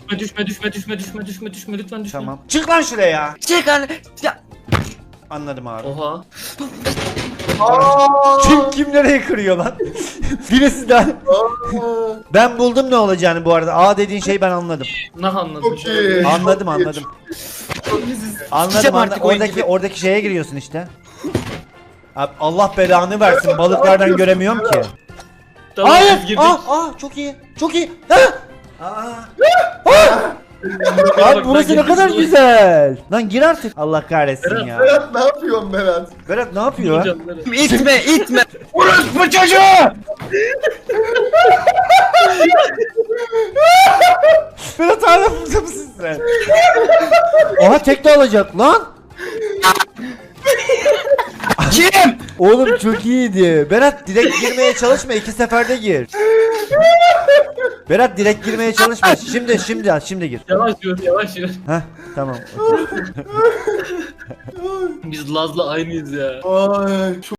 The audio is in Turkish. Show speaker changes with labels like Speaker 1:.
Speaker 1: düşme lütfen düşme.
Speaker 2: Tamam. Çık lan şuraya.
Speaker 3: Çık lan. Ya.
Speaker 2: Anladım abi.
Speaker 1: Oha.
Speaker 2: Kim nereye kırıyor lan? Birisi daha. Ben buldum ne olacağını bu arada. A dediğin şeyi ben anladım.
Speaker 1: Ne anladın?
Speaker 4: Çok iyi.
Speaker 2: Anladım.
Speaker 3: Sikeceğim artık oyun gibi.
Speaker 2: Oradaki şeye giriyorsun işte. Abi Allah belanı versin. Balıklardan göremiyorum ki.
Speaker 1: Tamam,
Speaker 2: Hayır.
Speaker 1: biz girdik.
Speaker 2: Çok iyi. Çok iyi. Abi burası ne kadar güzel. Lan gir artık. Allah kahretsin ya.
Speaker 4: Berat ne yapıyorsun Berat?
Speaker 2: Berat ne yapıyor?
Speaker 1: Canları.
Speaker 3: İtme.
Speaker 2: Bu çocuğu! Berat hala burada mısın sen? Aha tek de alacak lan.
Speaker 3: Kim?
Speaker 2: Oğlum çok iyiydi. Berat direkt girmeye çalışma, 2 seferde gir. Berat direkt girmeye çalışma. Şimdi gir.
Speaker 1: Yavaş yürü.
Speaker 2: Heh tamam.
Speaker 1: Biz Laz'la aynıyız ya.
Speaker 4: Ay çok